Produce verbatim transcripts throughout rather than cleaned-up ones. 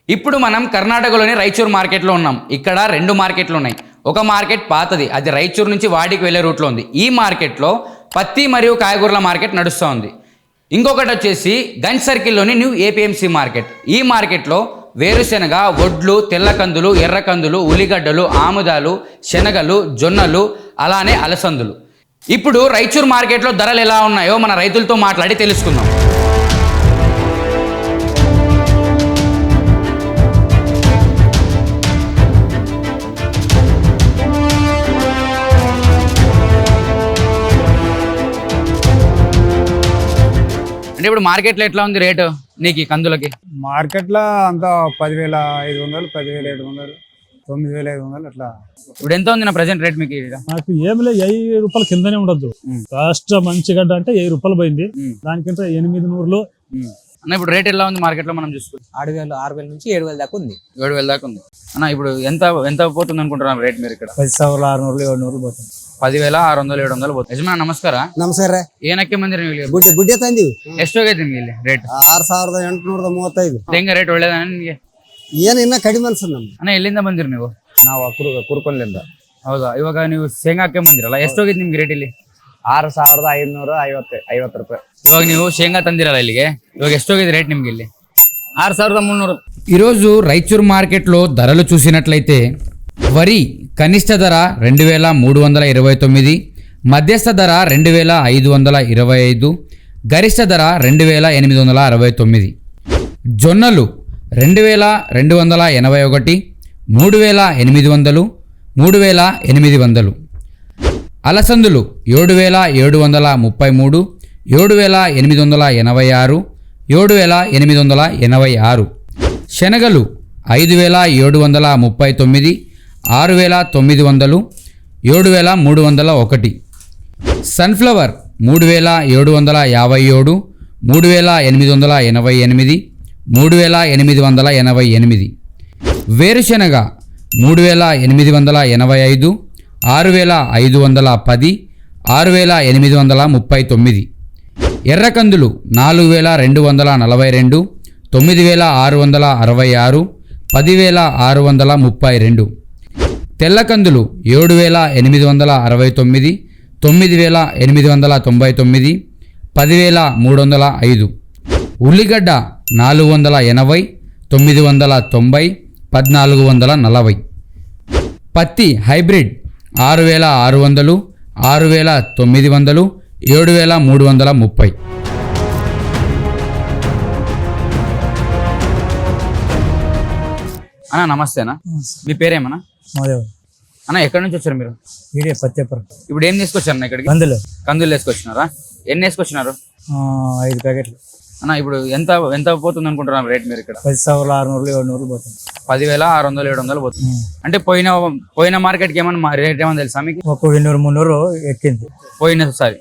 ఇప్పుడు మనం కర్ణాటకలోని రాయచూర్ మార్కెట్లో ఉన్నాం. ఇక్కడ రెండు మార్కెట్లు ఉన్నాయి. ఒక మార్కెట్ పాతది, అది రాయచూర్ నుంచి వాడికి వెళ్ళే రూట్లో ఉంది. ఈ మార్కెట్లో పత్తి మరియు కాయగూరల మార్కెట్ నడుస్తూ ఉంది. ఇంకొకటి వచ్చేసి గంజ్ సర్కిల్లోని న్యూ ఏపీఎంసీ మార్కెట్. ఈ మార్కెట్లో వేరుశెనగ, వడ్లు, తెల్లకందులు, ఎర్రకందులు, ఉల్లిగడ్డలు, ఆముదాలు, శనగలు, జొన్నలు, అలానే అలసందులు. ఇప్పుడు రాయచూర్ మార్కెట్లో ధరలు ఎలా ఉన్నాయో మన రైతులతో మాట్లాడి తెలుసుకుందాం. అంటే ఇప్పుడు మార్కెట్లో ఎట్లా ఉంది రేటు నీకు కందులకి? మార్కెట్లో అంతా పదివేల ఐదు వందలు పదివేల ఏడు వందలు తొమ్మిది వేల ఐదు వందలు అట్లా. ఇప్పుడు ఎంత ఉంది నా ప్రజెంట్ రేట్ మీకు? నాకు ఏమి లేదు, వెయ్యి రూపాయల కిందనే ఉండదు. ఫస్ట్ మంచి గడ్డ అంటే వెయ్యి రూపాయలు పోయింది, దానికింత ఎనిమిది నూరులు. అన్న ఇప్పుడు రేట్ ఎలా ఉంది మార్కెట్లో మనం చూసుకుంటే? ఆరు వేలు ఆరు వేల నుంచి ఏడు వేల దాకా ఉంది. ఏడు వేల దాకా ఉంది. అన్న ఇప్పుడు ఎంత ఎంత పోతుంది అనుకుంటున్నాను రేట్ మీరు ఇక్కడ? పది ಸಾವಿರ ఆరు నూరులు ఏడు నూరులు పోతుంది. పదివేల ಆರು వందలు ಏಳು వందలు పోతుంది. ಯಜಮಾನ ನಮಸ್ಕಾರ. ನಮಸ್ಕಾರ. ಏನಕ್ಕೆ ಬಂದಿರಿ ನೀವು? ಗುಡ್ಡೆ ಗುಡ್ಡೆ ತಂದಿವಿ. ಎಷ್ಟು ಹೋಗೈತಿ ನಿಮ್ಗೆ ಇಲ್ಲಿ ರೇಟ್? ಆರು ಸಾವಿರದ ಎಂಟುನೂರ ಮೂವತ್ತೈದು. ಹೆಂಗ ರೇಟ್ ಒಳ್ಳೇದ ನಿಮಗೆ? ಏನು ಇನ್ನ ಕಡಿಮೆ ಅನ್ಸದ್ ನಮ್ಗೆ. ಅಣ್ಣ ಎಲ್ಲಿಂದ ಬಂದಿರಿ ನೀವು? ನಾವು ಕುರು ಕುರ್ಕೊಂಡ್ಲಿಂದ. ಹೌದಾ, ಇವಾಗ ನೀವು ಶೇಂಗಾ ಹಾಕಿ ಬಂದಿರಲ್ಲ, ಎಷ್ಟು ಹೋಗಿದ್ ನಿಮ್ಗೆ ರೇಟ್ ಇಲ್ಲಿ? ಆರು ಸಾವಿರದ ಐನೂರ ಐವತ್ತು ಐವತ್ತು ರೂಪಾಯಿ. ಇವಾಗ ನೀವು ಶೇಂಗಾ ತಂದಿರಲ್ಲ ಇಲ್ಲಿಗೆ, ಇವಾಗ ಎಷ್ಟು ಹೋಗಿದೆ ರೇಟ್ నిమ్ಗೆ ಇಲ್ಲಿ? ఆరు ಸಾವಿರದ ಮುನ್ನೂರು. ఈరోజు రాయచూర్ మార్కెట్లో ధరలు చూసినట్లయితే వరి కనిష్ట ధర రెండు వేల మూడు వందల ఇరవై తొమ్మిది, మధ్యస్థ ధర రెండు వేల ఐదు వందల ఇరవై ఐదు, గరిష్ట ధర రెండు వేల ఎనిమిది వందల అరవై తొమ్మిది. జొన్నలు రెండు వేల రెండు వందల ఎనభై ఒకటి, మూడు వేల ఎనిమిది వందలు, మూడు వేల ఎనిమిది వందలు. అలసందులు ఏడు వేల ఏడు వందల ముప్పై మూడు, ఏడు వేల ఎనిమిది వందల ఎనభై ఆరు, ఏడు వేల ఎనిమిది వందల ఎనభై ఆరు. శనగలు ఐదు వేల ఏడు వందల ముప్పై తొమ్మిది, ఆరు వేల తొమ్మిది వందలు, ఏడు వేల మూడు వందల ఒకటి. సన్ఫ్లవర్ మూడు వేల ఏడు వందల యాభై ఏడు, మూడు వేల ఎనిమిది వందల ఎనభై ఎనిమిది, మూడు వేల ఎనిమిది వందల ఎనభై ఎనిమిది. వేరుశెనగ మూడు వేల ఎనిమిది వందల ఎనభై ఐదు, ఆరు వేల ఐదు వందల పది, ఆరు వేల ఎనిమిది వందల ముప్పై తొమ్మిది. ఎర్రకందులు నాలుగు వేల రెండు వందల నలభై రెండు, తొమ్మిది వేల ఆరు వందల అరవై ఆరు, పదివేల ఆరు వందల ముప్పై రెండు. తెల్లకందులు ఏడు వేల ఎనిమిది వందల అరవై తొమ్మిది, తొమ్మిది వేల ఎనిమిది వందల తొంభై తొమ్మిది, పదివేల మూడు వందల ఐదు. ఉల్లిగడ్డ నాలుగు వందల ఎనభై, తొమ్మిది వందల తొంభై, పద్నాలుగు వందల నలభై. పత్తి హైబ్రిడ్ ఆరు వేల ఆరు వందలు, ఆరు వేల తొమ్మిది వందలు, ఏడు వేల మూడు వందల ముప్పై. అన్న నమస్తేనా, మీ పేరేమన్నా? మాదేవ్. అన్న ఎక్కడి నుంచి వచ్చారు మీరు? ఈడే పత్తేపురం. ఇప్పుడు ఏం తీసుకొచ్చారు ఇక్కడికి? కందులు కందులు వేసుకొచ్చినారా? ఎన్ని వేసుకొచ్చినారు? ఐదు ప్యాకెట్లు. అన్న ఇప్పుడు ఎంత ఎంత పోతుంది అనుకుంటున్నారు రేట్ మీరు ఇక్కడ? పది ಸಾವಿರ ఆరు నూరులు ఏడు నూరులు పోతుంది. పదివేల ఆరు వందలు ఏడు వందలు పోతుంది. అంటే పోయిన పోయిన మార్కెట్కి ఏమన్నా రేట్ ఏమన్నా తెలుసా మీకు? ఒక వెన్నూరు మున్నూరు ఎక్కింది పోయినసారి.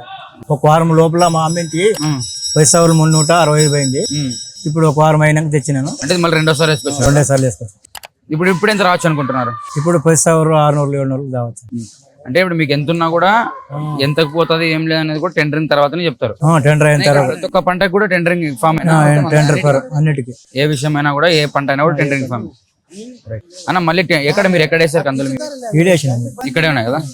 ఒక వారం లోపల మా అమ్మింటి పది ಸಾವಿರ మున్నూట అరవై ఐదు పోయింది. ఇప్పుడు ఒక వారం అయినాక తెచ్చినాను. అంటే మళ్ళీ రెండోసారి వేసుకొచ్చారు? రెండే సార్లు వేసుకోవచ్చు. ఇప్పుడు ఇప్పుడు ఎంత రావచ్చు అనుకుంటున్నారు? ఇప్పుడు పది ಸಾವಿರ ఆరు నూరులు ఏడు నూరులు రావచ్చు. అంటే ఇప్పుడు మీకు ఎంత ఉన్నా కూడా ఎంతకు పోతుంది ఏం లేదు అనేది కూడా టెండరింగ్ తర్వాతనే చెప్తారు. టెండర్ అయిన తర్వాత ప్రతి ఒక్క పంటకు కూడా టెండరింగ్ ఫామ్ టెండర్ అన్నిటికీ, ఏ విషయం అయినా కూడా, ఏ పంట అయినా కూడా టెండరింగ్ ఫామ్. అన్న మళ్ళీ ఎక్కడ మీరు ఎక్కడ వేసారు కందులు? ఈడేసినాము. ఇక్కడే ఉన్నాయి కదా.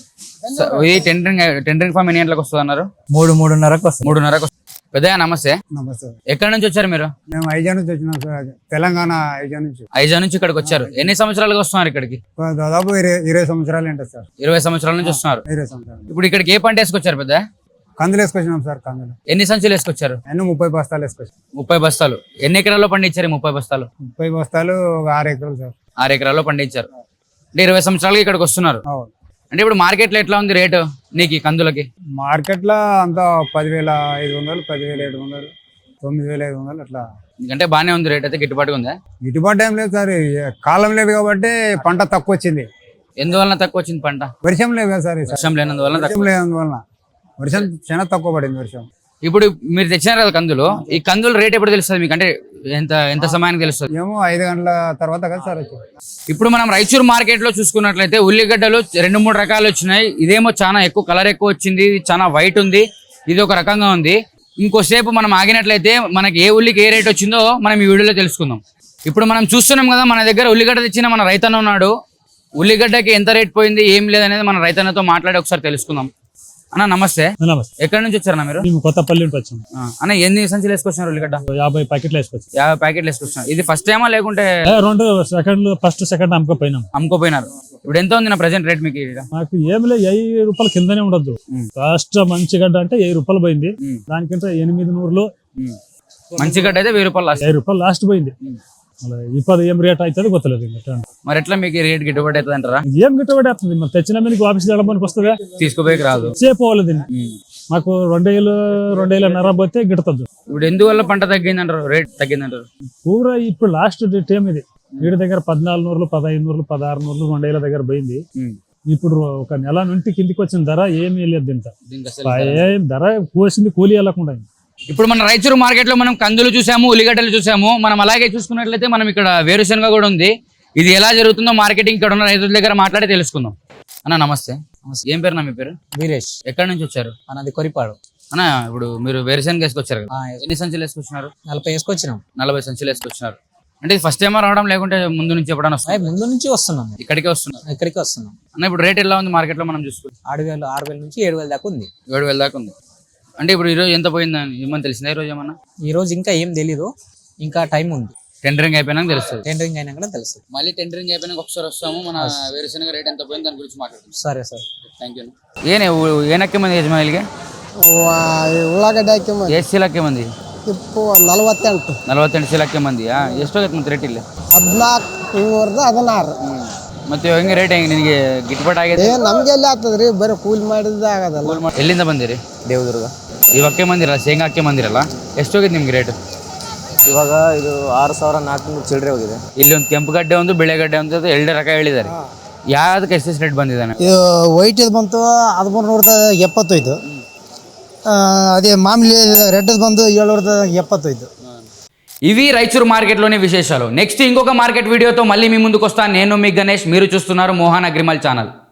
ఈ టెండరింగ్ టెండరింగ్ ఫామ్ ఎన్ని గంటలకు వస్తుంది అన్నారు? మూడు మూడున్నరకు వస్తుంది. మూడున్నరకు వస్తుంది. పెద్దగా నమస్తే. నమస్తే. ఎక్కడి నుంచి వచ్చారు మీరు? మేము ఐజా నుంచి వచ్చినాం సార్, తెలంగాణ ఐజా నుంచి. ఐజా నుంచి ఇక్కడికి వచ్చారు. ఎన్ని సంవత్సరాలుగా వస్తున్నారు ఇక్కడికి? దాదాపు ఇరవై ఇరవై సంవత్సరాలు ఏంటో సార్. ఇరవై సంవత్సరాల నుంచి వస్తున్నారు. ఇరవై సంవత్సరాలు. ఇప్పుడు ఇక్కడికి ఏ పంట వేసుకొచ్చారు పెద్ద? కందులు వేసుకొచ్చినాం సార్. కందులు ఎన్ని సంచులు వేసుకొచ్చారు? ఎన్నో ముప్పై బస్తాలు వేసుకొచ్చాం. ముప్పై బస్తాలు. ఎన్ని ఎకరాల్లో పండించారు ముప్పై బస్తాలు? ముప్పై బస్తాలు ఒక ఆరు ఎకరాలు సార్. ఆరు ఎకరాల్లో పండించారు. అంటే ఇరవై సంవత్సరాలుగా ఇక్కడికి వస్తున్నారు. అంటే ఇప్పుడు మార్కెట్లో ఎట్లా ఉంది రేటు నీకు కందులకి? మార్కెట్లో అంతా పదివేల ఐదు వందలు పదివేల ఏడు వందలు తొమ్మిది వేల ఐదు వందలు అట్లా. అంటే బాగానే ఉంది రేట్ అయితే, గిట్టుబాటుగా ఉందా? గిట్టుబాటు ఏం లేదు సార్, కాలం లేదు కాబట్టి పంట తక్కువ వచ్చింది. ఎందువలన తక్కువ వచ్చింది పంట? వర్షం లేదు కదా సార్. వర్షం లేనందువల్ల వర్షం లేనందువలన వర్షం చాలా తక్కువ పడింది వర్షం. ఇప్పుడు మీరు తెచ్చినారు కదా కందులు, ఈ కందులు రేట్ ఎప్పుడు తెలుస్తుంది మీకు? అంటే ఎంత ఎంత సమయానికి తెలుస్తుంది? ఏమో ఐదు గంటల తర్వాత కదా సార్ వచ్చి. ఇప్పుడు మనం రాయచూర్ మార్కెట్ లో చూసుకున్నట్లయితే ఉల్లిగడ్డలు రెండు మూడు రకాలు వచ్చినాయి. ఇదేమో చాలా ఎక్కువ కలర్ ఎక్కువ వచ్చింది, చాలా వైట్ ఉంది, ఇది ఒక రకంగా ఉంది. ఇంకోసేపు మనం ఆగినట్లయితే మనకి ఏ ఉల్లికి ఏ రేట్ వచ్చిందో మనం ఈ వీడియోలో తెలుసుకుందాం. ఇప్పుడు మనం చూస్తున్నాం కదా మన దగ్గర ఉల్లిగడ్డ తెచ్చిన మన రైతన్న ఉన్నాడు. ఉల్లిగడ్డకి ఎంత రేట్ పోయింది ఏం లేదనేది మన రైతన్నతో మాట్లాడి ఒకసారి తెలుసుకుందాం. అన్న నమస్తే. నమస్తే. ఎక్కడి నుంచి వచ్చారన్న మీరు? మేము కొత్తపల్లి నుంచి వచ్చాము. ఆ, అన్న ఎన్ని సంచులు వేసుకొచ్చినారు ఉల్లిగడ్డ? యాభై ప్యాకెట్లు వేసుకొచ్చాం. యాభై ప్యాకెట్లు వేసుకొచ్చినారు. ఇది ఫస్ట్ టైమా లేకుంటే ఏ, రెండు సెకండ్లు ఫస్ట్ సెకండ్ అమ్ముకోపోయినాం. అమ్ముకోపోయినారు. ఇప్పుడు ఎంత ఉంది నా ప్రెసెంట్ రేట్ మీకు? ఈడ? మాకు ఏమి లేదు, వెయ్యి రూపాయలు కిందనే ఉండొద్దు. ఫస్ట్ మంచి గడ్డ అంటే వెయ్యి రూపాయలు పోయింది. దానికంటే ఎనిమిది నూరులు మంచి గడ్డ అయితే వెయ్యి రూపాయలు లాస్ట్. వెయ్యి రూపాయలు లాస్ట్ పోయింది. మళ్ళీ ఇప్పుడు ఏం రేట్ అవుతుంది కొత్తలేదు. ఇంకా మరి ఎట్లా మీకు ఈ రేట్ గిట్టుబాటు అవుతుంది అంటారా? ఏం గిట్టుబడి వస్తుంది? మరి తెచ్చిన మీకు ఆఫీస్ వెళ్ళడానికి వస్తుందా? తీసుకోపోయి రాదు. చేపోవాలి దీన్ని. మాకు రెండేళ్ళు రెండేళ్ళన్నర పోతే గిడుతుంది. ఇప్పుడు ఎందువల్ల పంట తగ్గింది అంటారు, రేట్ తగ్గింది అంటారు? పూర ఇప్పుడు లాస్ట్ టైం ఇది. వీడి దగ్గర పద్నాలుగు నూరులు పదహైదు నూరులు పదహారు నూరులు రెండేళ్ల దగ్గర పోయింది. ఇప్పుడు ఒక నెల నుండి కిందికి వచ్చిన ధర ఏమీ లేదు. దీంతో ఏం ధర కోసింది కూలి వెళ్ళకుండా. ఇప్పుడు మన రైచూరు మార్కెట్ లో మనం కందులు చూసాము, ఉల్లిగడ్డలు చూసాము. మనం అలాగే చూసుకున్నట్లయితే మనం ఇక్కడ వేరుశనగ కూడా ఉంది. ఇది ఎలా జరుగుతుందో మార్కెటింగ్ ఇక్కడ ఉన్న రైతుల దగ్గర మాట్లాడి తెలుసుకుందాం. అన్న నమస్తే. ఏం పేరు నా మీ పేరు? వీరేష్. ఎక్కడి నుంచి వచ్చారు? అన్నది కొరిపాడు. అన్న ఇప్పుడు మీరు వేరుశనగ వేసుకొచ్చారు కదా, ఆ, ఎన్ని సంచులు వేసుకొచ్చినారు? నలభై వేసుకొచ్చినాం. నలభై సంచులు వేసుకొచ్చినారు. అంటే ఇది ఫస్ట్ టైం రావడం లేకుంటే ముందు నుంచి ఎప్పుడైనా వస్తుంది? అయ్యి ముందు నుంచి వస్తున్నాం. ఇక్కడికే వస్తున్నారు. ఇక్కడికి వస్తున్నాం. అన్న ఇప్పుడు రేట్ ఎలా ఉంది మార్కెట్ లో మనం చూసుకుంటే? ఆరు వేలు ఆరు వేల నుంచి ఏడు వేల దాకా ఉంది. ఏడు వేల దాకా ఉంది. అంటే ఇప్పుడు ఈరోజు ఎంత పోయిందని ఏమని తెలిసిందా? ఈరోజు ఏమన్నా? ఈ రోజు ఇంకా ఏం తెలీదు, ఇంకా టైం ఉంది. టెండరింగ్ అయిపోయినాక తెలుస్తుంది. టెండరింగ్ అయినా కూడా తెలుస్తుంది. మళ్ళీ టెండరింగ్ అయిపోయినాక ఒకసారి వస్తాము, మన వేరుశనగ రేట్ ఎంత పోయింది దాని గురించి మాట్లాడుతాం. సరే సార్. Thank you. ಏನೇ ಏನಕ್ಕೆ ಮಂದಿ ಯಜಮಾನಿಗೆ? ಉಳ್ಳಾಗಡ್ಡಿ ಹಾಕಿ ಎಷ್ಟು ಚೀಲಕ್ಕೆ ಮಂದಿ? ಇಪ್ಪು ನಲವತ್ತೆಂಟು ನಲವತ್ತೆಂಟು ಚೀಲಕ್ಕೆ ಮಂದಿ. ಎಷ್ಟೋಗೈತೆ ಮತ್ತೆ ರೇಟ್ ಇಲ್ಲಿ? ಹದಿನಾಲ್ಕು ಹಿಂಗೂರ್ದ ಹದಿನಾರು. ಮತ್ತೆ ಹೆಂಗೆ ರೇಟ್ ಹೆಂಗೆ ನಿನಗೆ ಗಿಟ್ಬಟ್ ಆಗಿದೆ? ಏ ನಮ್ಗೆ ಎಲ್ಲಿ ಆಗ್ತದ್ರಿ, ಬರೀ ಕೂಲಿ ಮಾಡಿದ್ದ ಆಗದಲ್ಲ. ಕೂಲ್ ಮಾಡಿ ಎಲ್ಲಿಂದ ಬಂದಿರಿ? ದೇವದುರ್ಗ. ಇವಕ್ಕೆ ಬಂದಿರಲ್ಲ, ಶೇಂಗಾ ಹಾಕಿ ಬಂದಿರಲ್ಲ. ಎಷ್ಟೋಗಿದೆ ನಿಮ್ಗೆ ರೇಟ್? ಇವಾಗ ಇದು ಆರು ಸಾವಿರ ನಾಲ್ಕುನೂರು ಚಿಲ್ಲರೆ ಹೋಗಿದೆ. ಇಲ್ಲಿ ಒಂದು ಕೆಂಪು ಗಡ್ಡೆ ಒಂದು ಬಿಳೆ ಗಡ್ಡೆ ಒಂದು ಎರಡು ರಕ ಹೇಳಿದ್ದಾರೆ. ಯಾವ್ದಕ್ಕೆ ಎಷ್ಟೆಷ್ಟು ರೇಟ್ ಬಂದಿದ್ದಾನೆ? ಇದು ವೈಟ್ ಇದು ಬಂತು ಹದಿಮೂರು ನೂರದ ಎಪ್ಪತ್ತೈದು. అదే మామూలు రెడ్ ಬಂದು ఏడునూರದ ఎప్పತ್ತైదు. ఇవి రైచూరు మార్కెట్లోని విశేషాలు. నెక్స్ట్ ఇంకొక మార్కెట్ వీడియోతో మళ్ళీ మీ ముందుకు వస్తాను. నేను మీ గణేష్, మీరు చూస్తున్నారు మోహన్ అగ్రిమల్ ఛానల్.